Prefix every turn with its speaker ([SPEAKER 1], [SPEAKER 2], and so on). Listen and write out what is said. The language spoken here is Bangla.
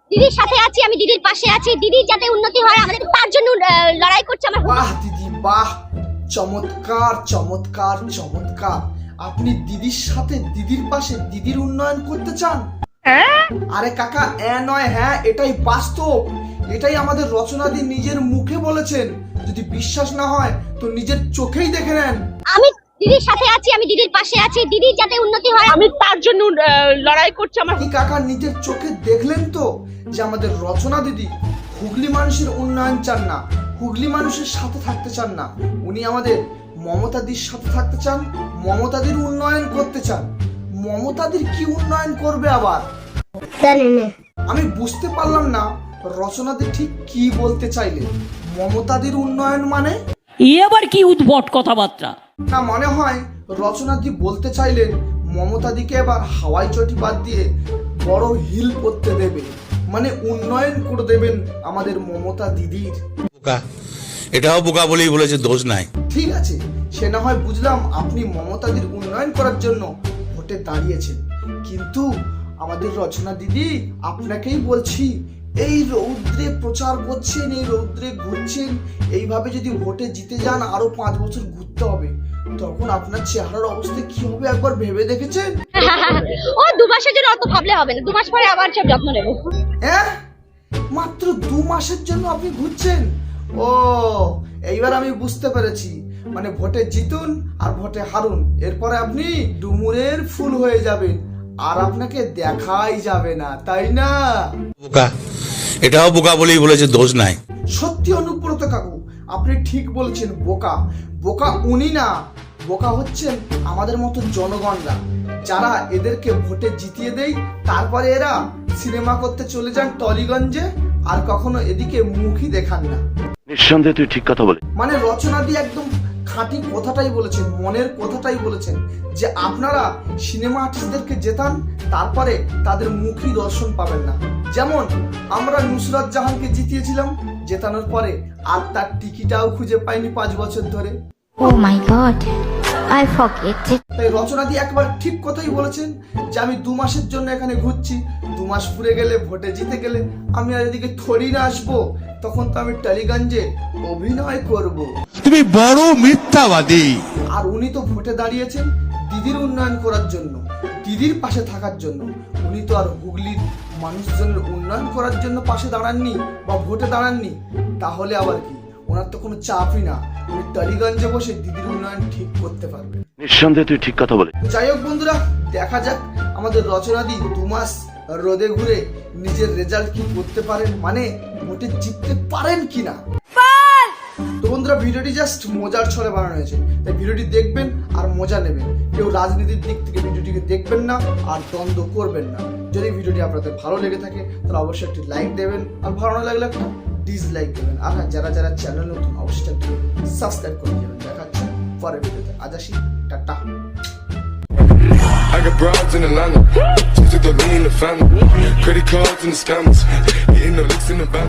[SPEAKER 1] দিদির সাথে আছি, আমি দিদির পাশে আছি, দিদির যাতে উন্নতি হয় আমাদের তার জন্য লড়াই করছে আমার।
[SPEAKER 2] বাহ দিদি বাহ, চমৎকার চমৎকার চমৎকার। আপনি দিদির সাথে, দিদির পাশে, দিদির উন্নয়ন করতে চান? আরে কাকা নয় হ্যাঁ, এটাই বাস্তব, এটাই আমাদের রচনাদি নিজের মুখে বলেছেন। যদি বিশ্বাস না হয় তো নিজের চোখেই দেখে নেন।
[SPEAKER 1] আমি দিদির সাথে আছি, আমি দিদির পাশে আছি, দিদির যাতে উন্নতি হয়
[SPEAKER 3] আমি তার জন্য লড়াই করছি আমার।
[SPEAKER 2] কি কাকা নিজের চোখে দেখলেন তো যে আমাদের রচনা দিদি হুগলি মানুষের উন্নয়ন চান না, হুগলি মানুষের সাথে থাকতে চান না, উনি আমাদের মমতাদির সাথে থাকতে চান, মমতাদির উন্নয়ন করতে চান। মমতাদির কি উন্নয়ন করবে আবার? আমি বুঝতে পারলাম না রচনাদি ঠিক কি বলতে চাইলে। মমতাদির উন্নয়ন মানে?
[SPEAKER 4] আবার কি উদ্ভট কথাবার্তা।
[SPEAKER 2] না মনে হয় রচনাদি বলতে চাইলেন মমতাদিকে এবার হাওয়াই চটি বাদ দিয়ে বড় হিল করতে দেবে, মানে উন্নয়ন করে দেবেন আমাদের মমতা দিদির।
[SPEAKER 5] বোকা, এটাও বোকা বলেই বলেছে, দোষ নাই।
[SPEAKER 2] ঠিক আছে, সে না হয় বুঝলাম আপনি মমতাদির উন্নয়ন করার জন্য ভোটে দাঁড়িয়েছেন, কিন্তু আমাদের রচনা দিদি আপনাকেই বলছি, এই রৌদ্রে প্রচার করছেন, এই রৌদ্রে ঘুরছেন, এইভাবে যদি ভোটে জিতে যান আরো 5 বছর ঘুরতে হবে, তখন আপনার চেহারার অবস্থা কি হবে একবার ভেবে দেখেছেন?
[SPEAKER 1] ও 2 মাসের জন্য অত ভাবলে হবে না, 2 মাস পরে আবার সব যত্ন নেব।
[SPEAKER 2] হ্যাঁ, মাত্র 2 মাসের জন্য আপনি ঘুরছেন? ও এইবার আমি বুঝতে পেরেছি, মানে ভোটে জিতুন আর ভোটে হারুন, এরপরে আপনি ডুমুরের ফুল হয়ে যাবেন আর আপনাকে দেখাই যাবে না, তাই না?
[SPEAKER 5] বোকা, এটাও বোকা বলেই বলেছে, দোষ নাই।
[SPEAKER 2] সত্যি অনুব্রত কাকু, আপনি ঠিক বলছেন। বোকা বোকা উনি না, বোকা হচ্ছেন আমাদের মতো জনগণরা, যারা এদেরকে ভোটে জিতিয়ে দেয়, তারপরে এরা সিনেমা করতে চলে যান টলিগঞ্জে, আর কখনো এদিকে মুখই দেখান না।
[SPEAKER 6] নিঃসন্দেহে তুই ঠিক কথা বলে।
[SPEAKER 2] মানে রচনা দিয়ে একদম খাঁটি কথাটাই বলেছেন, মনের কথাটাই বলেছেন, যে আপনারা সিনেমা আর্টিস্টদেরকে জেতান, তারপরে তাদের মুখই দর্শন পাবেন না। যেমন আমরা নুসরাত জাহানকে জিতিয়েছিলাম, জেতানোর পরে আর তার টিকিটাও খুঁজে পাইনি 5 বছর ধরে।
[SPEAKER 7] Oh my god, I forget it.
[SPEAKER 2] তাই রচনা দিয়ে একবার ঠিক কথাই বলেছেন যে আমি 2 মাসের জন্য এখানে ঘুরছি, 2 মাস পুরে গেলে, ভোটে জিতে গেলে আমি আর এদিকে থরি না আসবো, তখন তো আমি টালিগঞ্জে অভিনয় করব।
[SPEAKER 5] তুমি বড় মিথ্যাবাদী।
[SPEAKER 2] আর উনি তো ভোটে দাঁড়িয়েছেন দিদির উন্নয়ন করার জন্য, দিদির পাশে থাকার জন্য। উনি তো আর হুগলির মানুষজনের উন্নয়ন করার জন্য পাশে দাঁড়াননি বা ভোটে দাঁড়াননি, তাহলে আবার কি? ওনার তো কোনো চাপই না, উনি টালিগঞ্জে বসে দিদির উন্নয়ন ঠিক করতে পারবে।
[SPEAKER 6] নিঃসন্দেহে তুই ঠিক কথা বলে।
[SPEAKER 2] যাই হোক বন্ধুরা, দেখা যাক আমাদের রচনাদি 2 মাস রোদে ঘুরে নিজের রেজাল্ট কি করতে পারেন, মানে ভোটে জিততে পারেন কিনা। তো বন্ধুরা, ভিডিওটি জাস্ট মজার ছলে বানানো হয়েছে, তাই ভিডিওটি দেখবেন আর মজা নেবেন। কেউ রাজনীতির দিক থেকে ভিডিওটিকে দেখবেন না আর দ্বন্দ্ব করবেন না। যদি ভিডিওটি আপনাদের ভালো লেগে থাকে তাহলে অবশ্যই একটি লাইক দেবেন, আর ভালো না লাগলে একটা ডিসলাইক দেবেন। আর হ্যাঁ, যারা যারা চ্যানেল নতুন অবশ্যই একটু সাবস্ক্রাইব করে দেবেন। দেখা হচ্ছে পরের ভিডিওতে। আজ আসি, টাটা।
[SPEAKER 8] I got broads in Atlanta, just took the lean in the family, credit cards and the scammers, hitting the licks in the back.